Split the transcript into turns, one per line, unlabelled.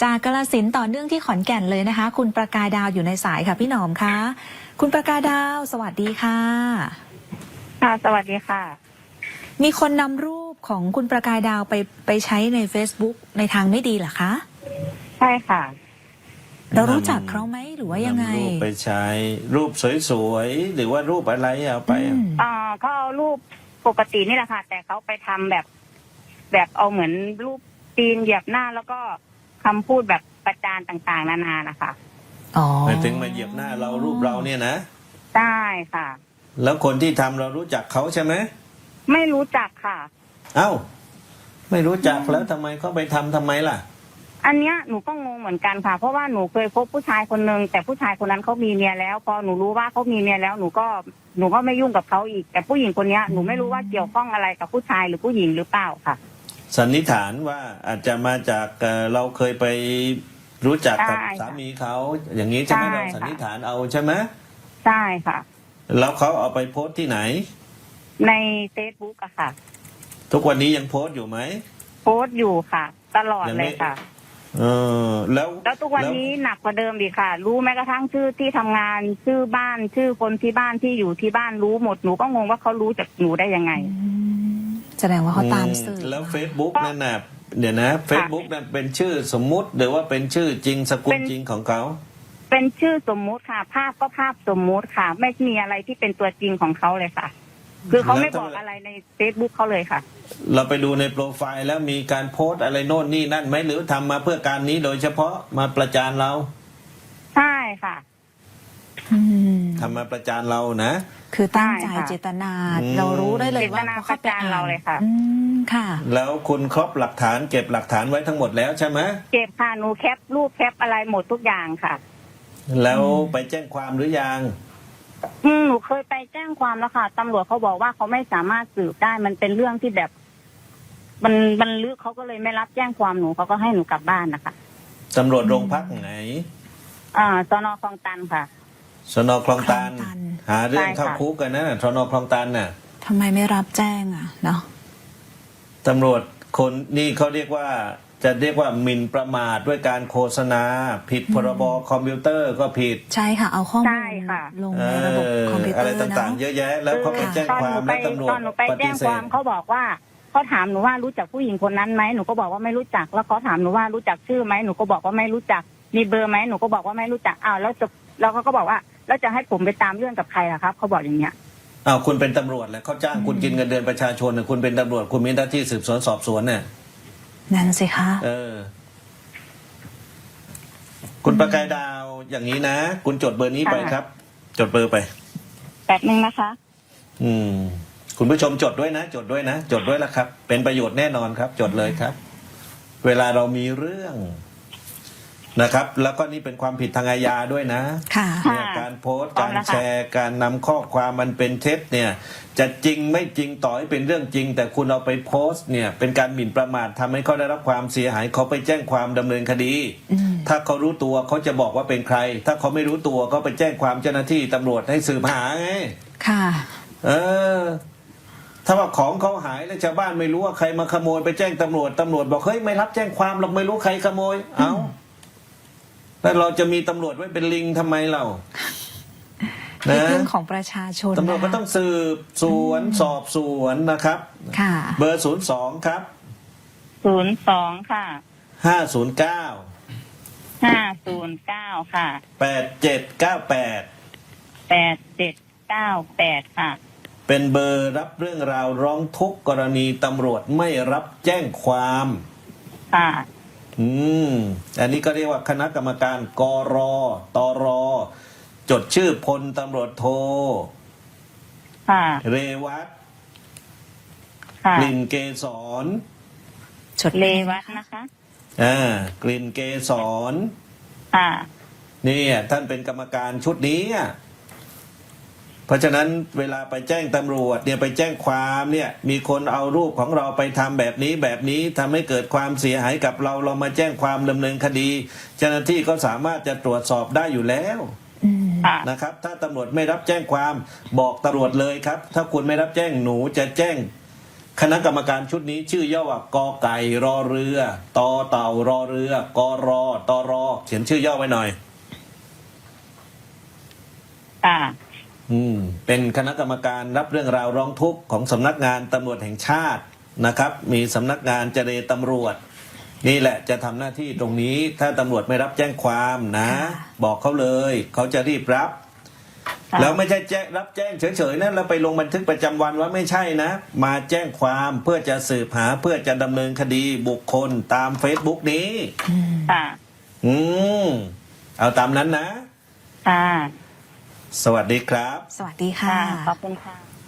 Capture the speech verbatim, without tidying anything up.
จากกาฬสินธุ์ต่อเนื่องที่ขอนแก่นเลยนะคะ คุณประกายดาวอยู่ในสายค่ะพี่หนอมคะคุณประกายดาวสวัสดีค่ะ
ค่ะสวัสดีค่ะ
มีคนนำรูปของคุณประกายดาวไปไปใช้ใน Facebook ในทางไม่ดีเหรอคะ
ใช่ค่ะ
เรารู้จักเขาไหมหรือว่ายังไง
รูปไปใช้รูปสวยๆหรือว่ารูปอะไรเอาไป
อ่าเขาเอารูปปกตินี่แหละค่ะแต่เขาไปทำแบบแบบเอาเหมือนรูปตีนเหยียบหน้าแล้วก็คำพูดแบบประจานต่างๆนานานะคะ
อ๋อ
หมายถึงมาเหยียบหน้าเรารูปเราเนี่ยนะ
ได้ค่ะ
แล้วคนที่ทำเรารู้จักเขาใช่ไหม
ไม่รู้จักค่ะ
เอ้าไม่รู้จักแล้วทำไมเขาไปทำทำไมล่ะ
อันเนี้ยหนูก็งงเหมือนกันค่ะเพราะว่าหนูเคยพบผู้ชายคนนึงแต่ผู้ชายคนนั้นเขามีเมียแล้วพอหนูรู้ว่าเขามีเมียแล้วหนูก็หนูก็ไม่ยุ่งกับเขาอีกแต่ผู้หญิงคนนี้หนูไม่รู้ว่าเกี่ยวข้องอะไรกับผู้ชายหรือผู้หญิงหรือเปล่าค่ะ
สันนิษฐานว่าอาจจะมาจากเราเคยไปรู้จักกับสามีเขาอย่างนี้ใช่ไหมเราสันนิษฐานเอาใช่ไหม
ใช่ค่ะ
แล้วเขาเอาไปโพสต์ที่ไหน
ในเฟซบุ๊กอะค่ะ
ทุกวันนี้ยังโพสต์อยู่ไหม
โพสต์อยู่ค่ะตลอดเลยค่ะ
เออแล้ว
แล้วทุกวันนี้หนักกว่าเดิมอีกค่ะรู้แม้กระทั่งชื่อที่ทำงานชื่อบ้านชื่อคนที่บ้านที่อยู่ที่บ้านรู้หมดหนูก็งงว่าเขารู้จากหนูได้ยังไง
แสดงว่าเขาตามสื่อ
แล้วเฟซบุ๊กนั่นน่ะเดี๋ยวนะเฟซบุ๊กนั่นเป็นชื่อสมมุติหรือว่าเป็นชื่อจริงสกุลจริงของเขา
เป็นชื่อสมมุติค่ะภาพก็ภาพสมมุติค่ะไม่มีอะไรที่เป็นตัวจริงของเขาเลยค่ะคือเขาไม่บอกอะไรในเฟซบุ๊กเขาเลยค่ะ
เราไปดูในโปรไฟล์แล้วมีการโพสต์อะไรโน่นนี่นั่นไหมหรือทำมาเพื่อการนี้โดยเฉพาะมาประจานเรา
ใช่ค่ะ
ทำมาประจานเรานะ
คือตั้งใจเจตนาเรารู้ได้เลยว่า
เขาประจานเราเลยค่ะ
ค่ะ
แล้วคุณครบหลักฐานเก็บหลักฐานไว้ทั้งหมดแล้วใช่ไหม
เก็บค่ะหนูแคปรูปแคปอะไรหมดทุกอย่างค่ะ
แล้วไปแจ้งความหรือยัง
อืมหนูเคยไปแจ้งความแล้วค่ะตำรวจเขาบอกว่าเขาไม่สามารถสืบได้มันเป็นเรื่องที่แบบ มันมันลึกเขาก็เลยไม่รับแจ้งความหนูเขาก็ให้หนูกลับบ้านนะคะ
ตำรวจโรงพักไหน
อ่าสน.คลองตันค่ะ
สน.คลองตันหาเรื่องเข้าคุกกันนะสน.คลองตันน่ะ
ทำไมไม่รับแจ้งอ่ะเนาะ
ตำรวจคนนี่เขาเรียกว่าจะเรียกว่าหมิ่นประมาทด้วยการโฆษณาผิดพรบคอมพิวเตอร์ก็ผิด
ใช่ค่ะเอาข้อมูลลงในระบบคอมพิวเตอร์
อะไรต่างๆเยอะแยะแล้วเขาไปแจ้งความแล้วตำรวจ
ตอนหนูไปแจ้งความเขาบอกว่าเขาถามหนูว่ารู้จักผู้หญิงคนนั้นไหมหนูก็บอกว่าไม่รู้จักแล้วเขาถามหนูว่ารู้จักชื่อไหมหนูก็บอกว่าไม่รู้จักมีเบอร์ไหมหนูก็บอกว่าไม่รู้จักอ้าวแล้วจะแล้วเขาก็บอกว่าแล้วจะให้ผมไปตามเรื่องกับใครล่ะครับเขาบอกอย่างเงี้ย
อ้าวคุณเป็นตำรวจแล้วเขาจ้างคุณกินเงินเดือนประชาชนคุณเป็นตำรวจคุณมีหน้าที่สืบสวนสอบสวนเนี่ย
นั่นสิคะ
เออคุณประกายดาวอย่างนี้นะคุณจดเบอร์นี้ไปครับจดเบอร์ไป
แป๊บนึงนะคะ
อืมคุณผู้ชมจดด้วยนะจดด้วยนะจดด้วยละครับเป็นประโยชน์แน่นอนครับจดเลยครับเวลาเรามีเรื่องนะครับแล้วก็นี่เป็นความผิดทางอาญาด้วยนะเนี่ยการโพสต์การแชร์การนำข้อความมันเป็นเท็จเนี่ยจะจริงไม่จริงต่อให้เป็นเรื่องจริงแต่คุณเอาไปโพสต์เนี่ยเป็นการหมิ่นประมาททำให้เขาได้รับความเสียหายเขาไปแจ้งความดำเนินคดีถ้าเขารู้ตัวเขาจะบอกว่าเป็นใครถ้าเขาไม่รู้ตัวก็ไปแจ้งความเจ้าหน้าที่ตำรวจให้สืบหาไง
ค่ะ
เออถ้าว่าของเขาหายแล้วชาวบ้านไม่รู้ว่าใครมาขโมยไปแจ้งตำรวจตำรวจบอกเฮ้ยไม่รับแจ้งความหรอกไม่รู้ใครขโมยเอ้าแล้วเราจะมีตำรวจไว้เป็นลิงทำไมเรา
นะเรื่องของประชาชน
ตำรวจก็ต้องสืบสวนสอบสวนนะครับ
ค่ะ
เบอร์ศูนย์สองครับ
ศูนย์สองค่ะ
ห้าศูนย์เก้า
ห้าศูนย์เก้าค่ะ
แปดเจ็ดเก้าแปด
แปดเจ็ดเก้าแปดค่ะ
เป็นเบอร์รับเรื่องราวร้องทุกข์กรณีตำรวจไม่รับแจ้งความ
ค่ะ
อืมอันนี้ก็เรียกว่าคณะกรรมการกรตรจดชื่อพลตำรวจโท
ค่ะ
เรวัตกลิ่นเกษร
จดเรวัตนะคะ
อ่ากลิ่นเกษร
ค่ะ
นี่ท่านเป็นกรรมการชุดนี้เพราะฉะนั้นเวลาไปแจ้งตำรวจเนี่ยไปแจ้งความเนี่ยมีคนเอารูปของเราไปทำแบบนี้แบบนี้ทำให้เกิดความเสียหายกับเราเรามาแจ้งความดำเนินคดีเจ้าหน้าที่ก็สามารถจะตรวจสอบได้อยู่แล้วนะครับถ้าตำรวจไม่รับแจ้งความบอกตำรวจเลยครับถ้าคุณไม่รับแจ้งหนูจะแจ้งคณะกรรมการชุดนี้ชื่อย่อว่ากอไก่รอเรือตอเต่ารอเรือกอรอตอรอเขียนชื่อย่อไว้หน่อย
อ่า
อืมเป็นคณะกรรมการรับเรื่องราวร้องทุกข์ของสำนักงานตำรวจแห่งชาตินะครับ มีสำนักงานเจรตำรวจ นี่แหละจะทำหน้าที่ตรงนี้ถ้าตำรวจไม่รับแจ้งความนะ บอกเขาเลยเขาจะรีบรับ
ค่ะ
แล้วไม่ใช่แจ้งรับแจ้งเฉยๆนะแล้วไปลงบันทึกประจำวันว่าไม่ใช่นะ มาแจ้งความเพื่อจะสืบหาเพื่อจะดำเนินคดีบุคคลตาม Facebook นี้
อืม
ค่ะ
อืมเอาตามนั้นนะ
ค่ะ
สวัสดีครับ
สวัสดี
ค่ะ
ค่ะ
ขอบคุณค่ะ